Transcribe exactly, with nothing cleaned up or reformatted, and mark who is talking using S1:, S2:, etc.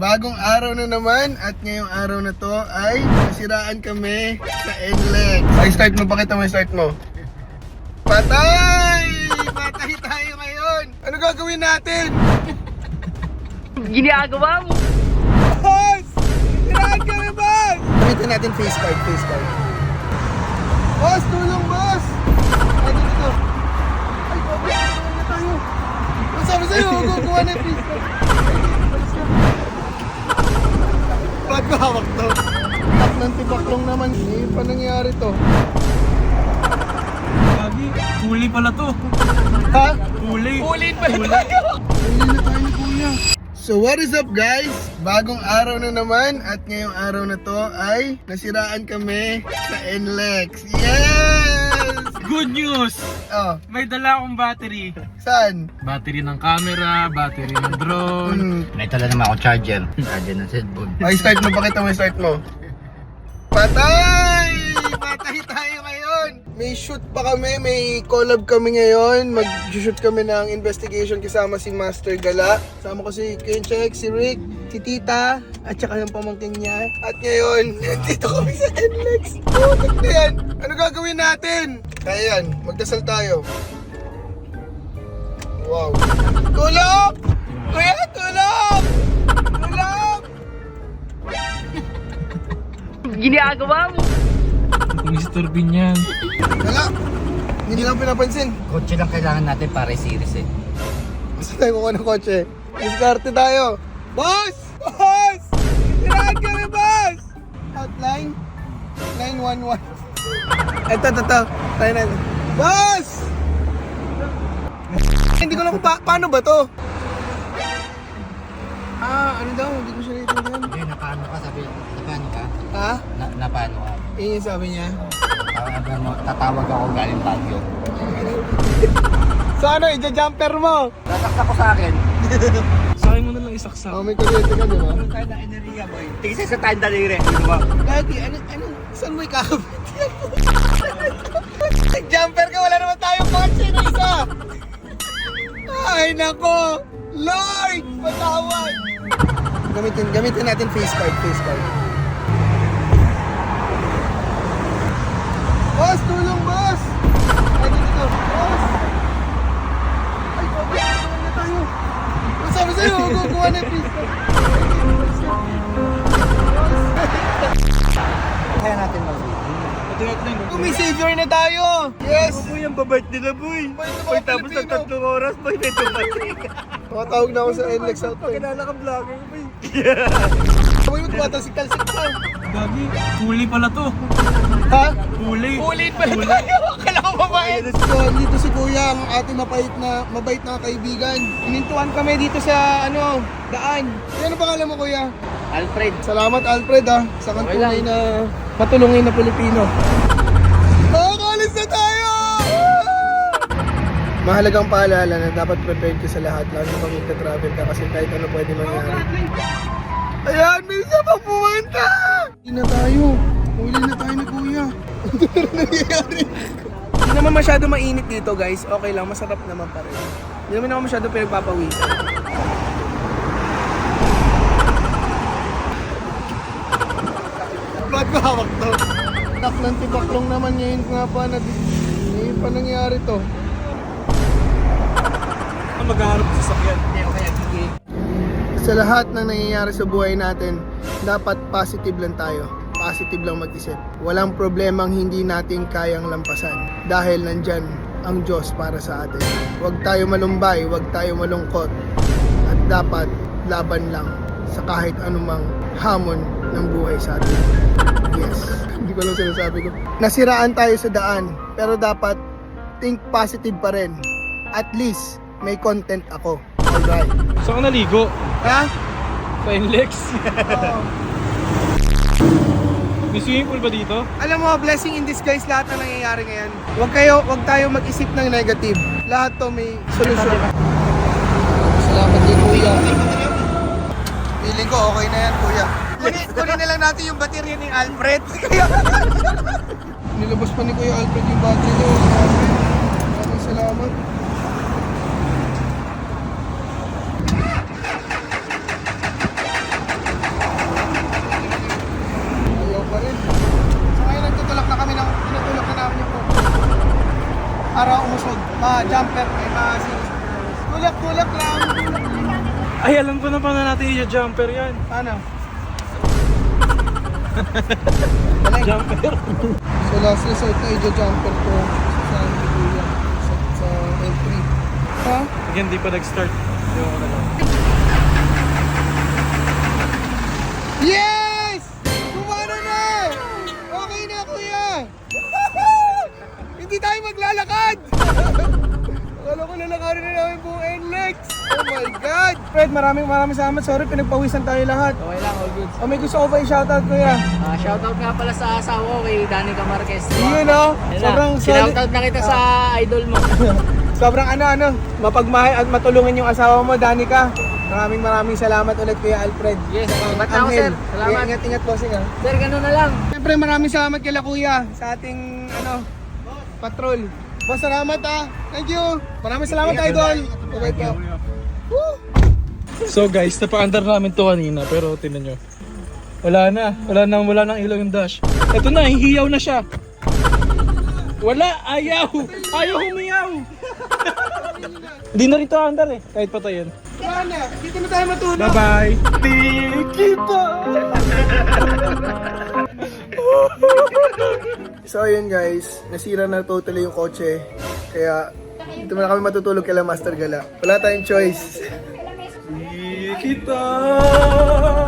S1: bagong araw na naman at ngayong araw na to ay nasiraan kami sa N L E X. Ay, start mo, pakita mo yung start mo. Patay! Patay tayo ngayon! Ano gagawin natin?
S2: Ginagawa mo?
S1: Boss! Nasiraan kami, boss! Gamitin natin face card, face card. Boss, tulong, boss! Ay, dito, dito. Ay, boss, tulong na tayo. Ang sabi sa'yo, kukuha na yung face card. Ba't ko hawak to? Tak ng tibaklong naman. Hindi pa nangyari to.
S3: Lagi, huli pala to.
S1: Ha?
S3: Huli.
S2: Ulin pala tayo!
S1: Huli na tayo ni Kuya. So what is up, guys? Bagong araw na naman at ngayong araw na to ay nasiraan kami sa N L E X. Yes!
S3: Good news!
S1: Oh,
S3: May dala akong battery.
S1: saan?
S3: Battery ng camera, battery ng drone.
S1: Hmm.
S4: May tala naman ako charger. Charger ng cellphone.
S1: Ay, start mo. Pakita mo yung start mo. Patay! Patay tayo ngayon! May shoot pa kami, may collab kami ngayon. Mag-shoot kami ng investigation kasama si Master Gala. Kasama ko si Kenchek, si Rick, si Tita, at saka yung pamangkin niya. At ngayon, dito kami sa N L E X. Oh, na yan. Ano gagawin natin? Kaya yan, magdasal tayo. Wow. Tulong! Kuya, tulong! Tulong!
S2: Ginagawa mo?
S3: mister Bean yan.
S1: Wala. Hindi lang pinapansin.
S4: Kotse lang kailangan natin para series eh.
S1: Gusto tayo kukuha ng kotse. Diskarte tayo. Boss! Boss! Tirahan kami, boss! Hotline? nine one one. Ito, ito, ito. Tayo na. Boss! Hindi ko lang kung pa paano ba to? Ah, ano daw? Hindi ko siya naiintindihan.
S4: Eh, napaano ka sabi? Napaano ka?
S1: Ha?
S4: Na, napaano ka?
S1: Yun yung sabi niya.
S4: Tawag mo, tatawag ako galing Baguio.
S1: So ano, i-jumper mo?
S4: Nasaksa ko sa akin.
S3: Sa akin mo na lang isaksak.
S1: Oh, may kuryente ka, di ba?
S4: Kaya na enerhiya boy. Tingin sa tanda nire. Di ba?
S1: Lagi, ano, ano, saan mo ikakabit yan? Nag-jumper ka, wala naman tayong kotse na isa! Ay, nako! Lord! Patawad! Gamitin, gamitin natin face card, face card. Boss, tulong, boss! Ay, dito, dito. Boss! Ay, boss, tulong na tayo. Ang sabi sa'yo, kukuha na yung face card.
S4: Kaya natin mag
S1: Oh, may savior na tayo! Yes!
S4: Boy, ang babait nila boy.
S1: Boy, ito mga
S4: Tapos ng
S1: Pilipino.
S4: tatlong oras boy, may tumating.
S1: Makatawag na ako sa N L E X out eh.
S4: Kilala ka vlogger boy.
S1: Boy, mo tumatalsik-talsik ka.
S3: Lagi, huli pala to.
S1: Ha?
S3: Huli.
S2: Ulin pala tayo! Akala ko mabait!
S1: So, dito si Kuya, ang ating mabait na, mabait na kaibigan. Inintuan kami dito sa, ano, daan. Ano pangalan mo, Kuya?
S4: Alfred.
S1: Salamat, Alfred, ha, sa kang tunay na matulungin na Pilipino. Nakakalis na tayo! Mahalagang paalala na dapat prepared ka sa lahat, lalo na pag magta-travel ka kasi kahit ano pwede mangyari. Ayan, may isa pang pumunta! Huli na tayo. Huli na tayo ni Kuya. Ano nangyayari? Hindi naman masyado mainit dito, guys. Okay lang, masarap naman pa rin. Hindi naman ako masyado pinagpapawisan. Ba't ko hawak to? Tak ng tibaklong naman ngayon nga pa na ngayon pa nangyari to.
S3: Ang maghaharap sa sakyan.
S1: Sa lahat ng nangyayari sa buhay natin, dapat positive lang tayo. Positive lang mag-isip. Walang problemang hindi natin kayang lampasan dahil nandyan ang Diyos para sa atin. Huwag tayo malumbay, huwag tayo malungkot. At dapat laban lang sa kahit anumang hamon ng buhay sa atin. Yes. Hindi ko lang sinasabi ko. Nasiraan tayo sa daan, pero dapat think positive pa rin. At least, may content ako. Alright.
S3: Saan ka naligo?
S1: Ha?
S3: Sa N L E X?
S1: Oo.
S3: May swimming pool ba dito?
S1: Alam mo, blessing in disguise lahat na nangyayari ngayon. Huwag kayo, huwag tayo mag-isip ng negative. Lahat to may solusyon. Salamat din, Kuya. Feeling ko okay na yan, Kuya. Kunin, kunin na lang natin yung baterya ni Alfred. Nilabas pa ni Kuya Alfred yung battery niya. Maraming salamat. jumper. May mga tulak-tulak lang.
S3: Ay, alam ko na paano natin i-jumper yan.
S1: Paano? Balik.
S3: Jumper.
S1: So last resort na i-jumper ko sa Kuya. Sa, sa L three. Ha?
S3: Again, di pa nag-start. Yung ano lang.
S1: Yes! Kumano na! Okay na, kuya! Hindi tayo maglalakad! Akala ko lalakarin na namin buong N L E X! Oh my God! Fred, maraming maraming salamat. Sorry, pinagpawisan tayo lahat.
S2: Okay lang, all good.
S1: O may gusto ko pa i-shoutout, kuya.
S2: Ah, shoutout nga pala sa asawa ko kay Danica Marquez.
S1: Yun, no?
S2: Ayun na,
S1: Sobrang solid.
S2: Shoutout na kita sa idol mo.
S1: Sobrang ano, ano, mapagmahal at matulungan yung asawa mo, Danica. Maraming maraming salamat ulit, Kuya Alfred.
S2: Yes,
S1: Saka
S2: salamat na ako,
S1: Angel.
S2: sir. Salamat.
S1: Kaya ingat-ingat, bossing, ha.
S2: Sir, ganun na lang.
S1: Siyempre, maraming salamat kila Kuya sa ating, ano, patrol. Boss, salamat, ha. Thank you. Maraming salamat, idol. Okay po. Woo!
S3: So guys, napaandar namin to kanina pero tingnan nyo. Wala na. Wala na. Wala nang ilaw yung dash. Ito na, hihiyaw na siya. Wala. Ayaw. Ayaw humiyaw. Hindi na rito andar eh. Kahit patayin.
S1: Wala na. Dito na tayo matulog.
S3: Bye-bye. Di kita.
S1: So ayun guys, nasira na totally yung kotse. Kaya dito na kami matutulog kay Master Gala. Wala tayong choice.
S3: Di kita.